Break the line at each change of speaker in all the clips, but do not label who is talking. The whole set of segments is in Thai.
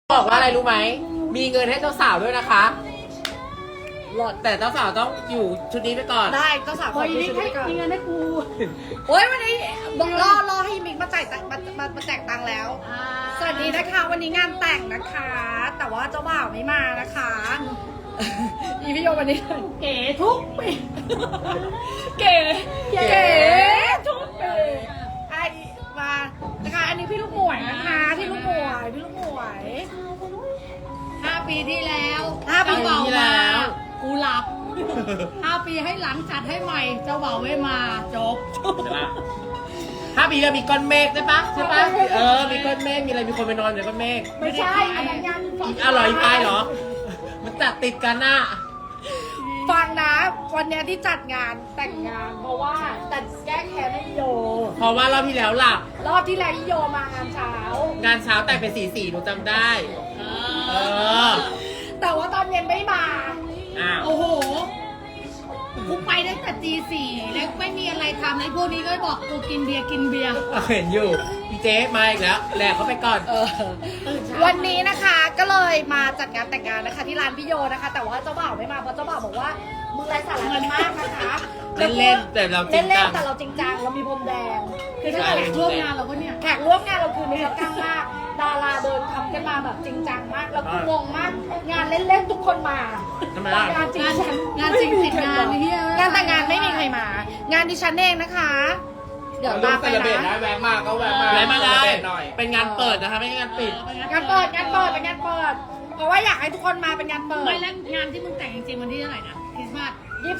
บอกว่าอะไรรู้ไหม มีเงินให้เจ้าสาวด้วยนะคะหลอดแต่เจ้าสาวต้องอยู่ชุดนี้ไปก่อน
ได้เจ้าสาวขอ
ยิ
ชุดนี้ก่อน
งเงินให้กู
โอ้ยวันนี้บอกรอให้มิกมาจ่ายตังค์มาแจกตังค์แล้ว สวัสดีนะคะ วันนี้งานแต่งนะคะ แต่ว่าเจ้าบ่าวไม่มานะคะ อีพี่โยวันนี้
เก๋ทุกปี
เก๋ทุกปีไอมานะคะอันนี้พี่ลูกหมวยนะคะพี่ลูกหมวย
5 ปีที่แล้ว
5 ปี
เจ้า
ที่
บ่าว
แล้
มาว กูหลับ 5 ปีให้หลังจัดให้ใหม่ เจ้าบ่าวไม่มาจบ
ใช่ปะ5 ปีแล้วมีก้อนเมฆได้ปะใช่ปะมีก้อนเมฆมีอะไรมีคนไปนอนในก้อนเมฆ
ไม่ใช่อันนั้นงาน
อีกอร่อยไปเหรอ มันจัดติดกันน่ะ
ฟังนะวันเนี้ยที่จัดงานแต่งงาน เพราะว่าจัดแก้แค้นให้โย
เพราะว่ารอบที่แล้วหลับ
รอบที่แล้วโยมางานเช้า
งานเช้าแต่งเป็นสีหนูจำได้ เออ
แต่ว่าตอนเย็นไม่มา
อ้าว
โอ้โห กูไปตั้งแต่ตี 4แล้วไม่มีอะไรทำเลยพวกนี้ก็บอกกูกินเบียร์
เห็นอยู่พี่เจ๊มาอีกแล้วแหลกเขาไปก่อน
ตื่นเช้า
วันนี้นะคะก็เลยมาจัดงานแต่งงานนะคะ ที่ร้านพี่โยนะคะ แต่ว่าเจ้าบ่าวไม่มาเพราะเจ้าบ่าวบอกว่ามึงไร้สาระกันมากนะคะ
เล่นๆแต่เราจริงจัง
เล่นๆแต่เราจริงจังเรามีพรมแดง
คือถ้าเกิดร่วมงานเราก็เนี่ย
แขกร่วมงานเราคือมีกล้ามาก ดาราเดินทำกันมาแบบจริงจังมากแล้วกูงงมาก งานเล่นๆทุกคนมา
ทำไมล่ะ
งานจริงจัง
งานจริงติดงานไอ้เหี้ย
งานแต่งงานไม่มีใครมา งานดิฉันเองนะคะ เดี๋ยวตามไปนะ
แวะมาก็แวะมา
แวะมาได้
หน่อย
เป็นงานเปิดนะคะไม่ใช่งานปิด
งานเปิดเป็นงานเปิด เพราะว่าอยากให้ทุกคนมาเป็นงานเปิด
ไม่แล้วงานที่มึงแต่งจริงๆวันที่เท่าไหร่นะคริสต์มาส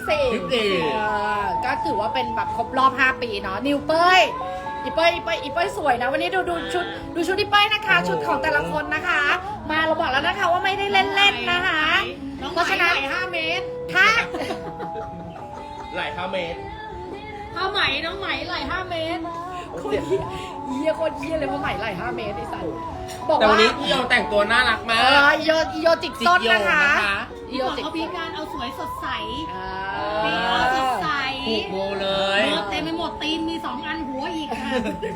24
ก็ถือว่าเป็นแบบครบรอบ 5 ปีเนาะนิวเป้ยอีเป้ยสวยนะ วันนี้ดูชุดอีเป้ยนะคะ ชุดของแต่ละคนนะคะ มาเราบอกแล้วนะคะว่าไม่ได้เล่นๆนะคะ
น้อง
เพราะฉะนั้น
ไหม5 เมตร
ถ้า
หลาย5 เมตร
ผ้าไหมน้องไหมไหล่5 เมตร
คนเยี่ยโคตรเยี่ยเลยเพราะใหม่ไหล่5 เมตรไอ้สันบอก
แต่วัน
ว่า
นี้พี่โยแต่งตัวน่ารักมา
อีโยจิกต้นนะคะอี
พี่
โย
บอก
จิก
เขามีการเอาสวยสดใส
อ่า
มีเอาสดใส
ผูกโบเลย
เออเต็มไปหมดตีนมี2 อันหัวอีกค่ะ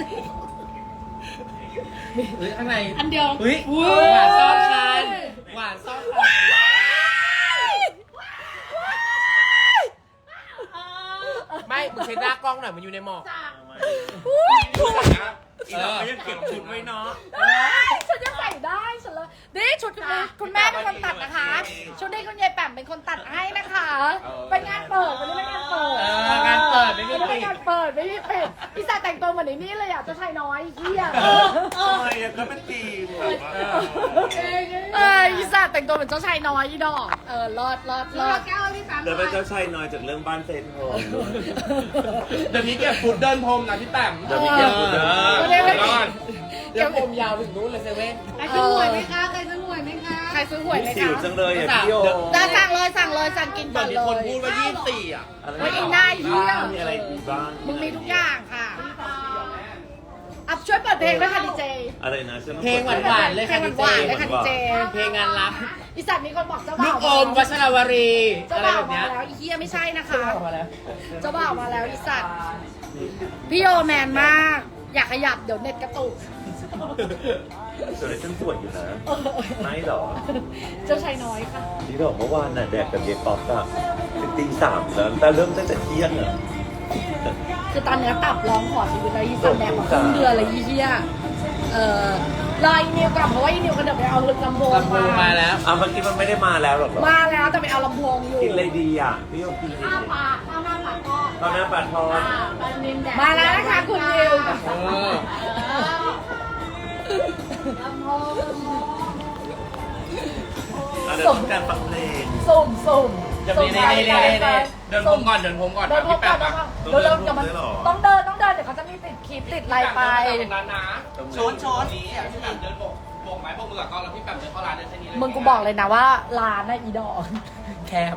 เฮ้ยข้างใน
อันเดียว
เฮ้ยหวานซ่อนคันหวานซ่อนคันไม่มึงเช็ดหน้ากล้องหน่อยมันอยู่ในหมอก
อีเราก็ยังเก็บชุดไว้เนาะ
ฉันจะใส่ได้ฉันเลยนี่ชุดคุณแม่เป็นคนตัดนะคะ ชุดนี้คุณยายแป๋มเป็นคนตัดให้นะคะเป็นงานเปิดวันนี้เป็นงานเปิด
งานเปิดไม่มี
วันนี้
ปิ
เป็น
ด
งานเปิดไม่มีปิดพี่สาวแต่งตัวเหมือนไอ้นี่เลยอ่ะเจ้าชายน้อยเฮีย
ทำไมอะก็เป็นทีม
พี่สาวแต่งตัวเหมือนเจ้าชายน้อยอีดอกรอด
แก้วที่3
เดี๋ยวเป็นเจ้าชายน้อยจากเรื่องบ้านเซนโฮม
เดี๋ยวนี้เก็บฟุตเดินพรมนะพี่แต้ม
เดี๋ยวมีเก็บฟุตเดิน
เดี๋ยวผมยาวถึงนู้นเลยเซเว่น
ใครซื้อหวยไหมคะใครซื้อหวยไหมคะ
ใครซื้อหวยไหม
หิว
คะ
จังเลยอ่ะพี่โย
จะสั่งเลยสั่งกิน
ต
ก่
อ
อน น
นี้
เล
คน
ย
พูดว่า24อ่ะ
เฮ้ยไอ้หน้าเหี้ย
มีอะไรดีบ้าง
มึงมีทุกอย่างค่ะอัพช่วยเปิดเพลงด้วยค่ะดีเจ
อะไรนะฉันต้อง
เพลงหวานๆเลย
เพล
ค่ะ
ง
ดี
หวานๆเลย
เจ
ค่ะดีเจ
เพลงงานรัก
อีสัตว์มีคนบอกเจ้า
ลู
บ่าว
กอมวัชรวรี
เจ้า
อะไร
บ่าว
แบบ
มา
เนี้ย
แล้วอีเฮียไม่ใช่นะคะ
มาแล้ว
เจ้าบ่าวมาแล้วอีสัตว์พี่โยแมนมาก อยากขยับเดี๋ยวเน็ตกระตุก
ส่วนฉันสวยอยู่นะไม่หรอ
เจ้าชายน้อยค่ะ
นี่หรอเมื่อวานน่ะแดกกับเยป๊อปอะถึงตี 3แล้วแต่เริ่มตั้งแต่เที่ยงอะ
คือตอนเนื้อตับร้องขอชีวิตแล้วอีสัตว์แดกมาครึ่งเดือนเลยอีเฮียรออีนิวกลับเพราะว่าอีนิวกระเดินไปเอาลำโพง
ลำโพงมาแล้ว
เมื่อกี้มันไม่ได้มาแล้วหรอกเหรอ
มาแล้วแต่ไปเอาลำโพงอยู่
กินอะไรดีอ่ะพี่โยกินอะไร
ข้าว
ดี
ปลาข้าวหน้าปลาทอด
ตอนหน้าปลาทอด
ปลานิลแดด
มาแล้วนะคะคุณนิว
เออ
ลำโพง
เดี๋ยวต้องการฟังเพลง
สุ่ม
จะมีนี่เดินผมก่อน
เดินพบ
พี่
กั
แป๊
น
บ
เดินเดี๋ยวมันต้องเดินเดี๋ยวเขาจะมีติดคลิปติดอะไรไป
นั้นนะ
ช้อน
นี้พี่แป๊บเดินโบกไม้โบกมือกับกล้องแล้วพี่แป๊บเดินเข้าร้านเดินแค่นี้เลย
มึงกูบอกเลยนะว่าร้านน่ะอีดอก
แคบ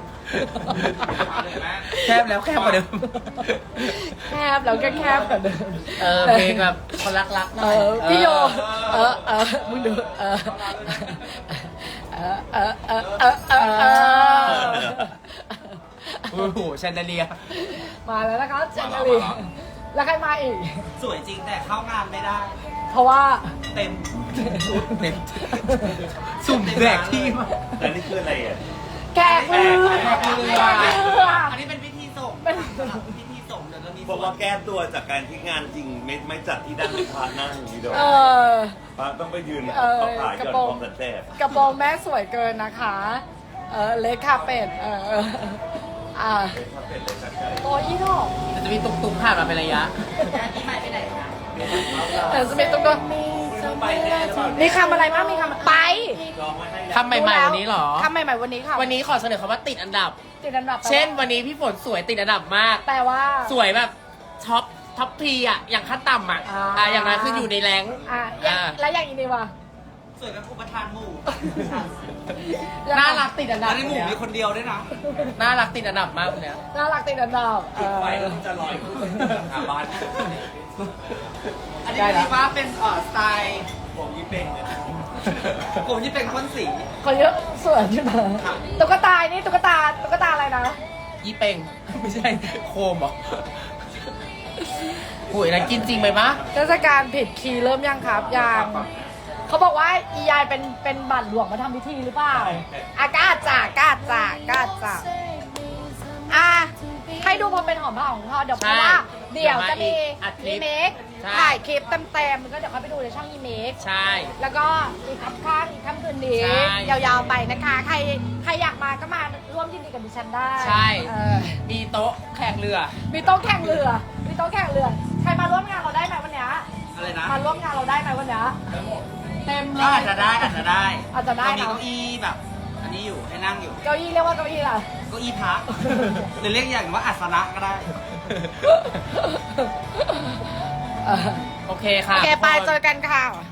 แคบแล้วแคบกว่าเดิม
แคบแล้วก็แคบกว่าเดิม
เพลงแบบคนรักๆหน่อย
พี่โยมึงดู
โอ้โหแชนเดเลีย
มาแล้วนะคะเจนนาลีแล้วใครมาอีก
สวยจริงแต่เข้างานไม่ได้
เพราะว่า
เต็มสุ่มแดกที่มา
แต่นี่คืออะไรอ่ะ
แกกเรือ
แกกเรือ
แกกเรือ
อันนี้เป็นพิธีส่ง
เป็น
พิธีส่งเดี๋ยวจะมี
เพราะว่าแก้ตัวจากการที่งานจริงไม่จัดที่ด้านพระนั่งนี่โดย
เออ
พระต้องไปยืน
เออ
เอาขาหย่อน
กระโปรง
พร้อมกันแทบ
กระโปรงแม่สวยเกินนะคะ เล็กคาเป็ด
เป็นเลยจากใจ
โอ้ยดอก
จะมีตุ๊กๆผ่านมาเป็นระยะ
แต่จะมีตุ๊กมีคำอะไรบ้างมีคำไป
ลองไว้ให้
คำใหม่ๆวันนี้เหรอ
คำใหม่ๆวันนี้ค่ะ
วันนี้ขอเสนอคำว่าติดอันดับ
ติดอันดับ
เช่นวันนี้พี่ฝนสวยติดอันดับมาก
แปลว่า
สวยแบบท็อปพีอ่ะ อย่างขั้นต่ำอ่ะ อย่างนั้นคืออยู่ในแรงค์
แล้วอย่างอีนี่วะ
สวยเป็นอุปทานหมู่
น่ารักติดอันดับ
ในหมู่มีคนเดียวด้วยนะ
น่ารักติดอันดับมากคนเนี้ย
น่ารักติดอันดับ
ไฟแล้วมันจะลอยขึ้นหาบ้าน อันนี้
ได้ละ
คิดว่าเป็นสไตล์
ผมยี่เป้งเนี่ย
ผมที่เป็นคนสี
คนเยอะสวยใช่ไหมตุ๊กตานี่ตุ๊กตาอะไรนะ
ยี่เป่ง ไม่ใช่โคมเหรอโอ้ยนะกินจริงไหมมะ
เทศกาลผิดคีย์เริ่มยังครับยังเขาบอกว่าอียายเป็นบัตรหลวงมาทำพิธีหรือเปล่ากาจ่ากาจ่าให้ดูพอเป็นหอมผ้าของเขาเดี๋ยวเพราะว่าเดี๋ยวจะมีอีเมกถ่ายคลิปเต็มๆก็เดี๋ยวเขาไปดูในช่องอีเมก
ใช่
แล้วก็อีกค่ำอีกค่ำคืนนี้
ใช่
ยาวๆไปนะคะ ใครอยากมาก็มาร่วมยินดีกับดิฉันได้
ใช่
เออ
มีโต๊ะแข่งเรือ
มีโต๊ะแข่งเรือใครมาร่วมงานเราได้ไหมวันเนี้ย
อะไรนะ
มาร่วมงานเราได้ไหมวันเนี้ยเต็มเล
ก็
ย
อาจจะได้
อาจจะได้
เรามี
เนอะ
เก้าอี้แบบ อันนี้อยู่ให้นั่งอยู่
เก้าอี้เรียกว่าเก้าอี้ล่ะ
เก้าอี้พักหรือเรียกอย่างว่าอัศนะก็ได้
โอเคค่ะ
โอเคไป
ทุกคน
เจอกันค่ะ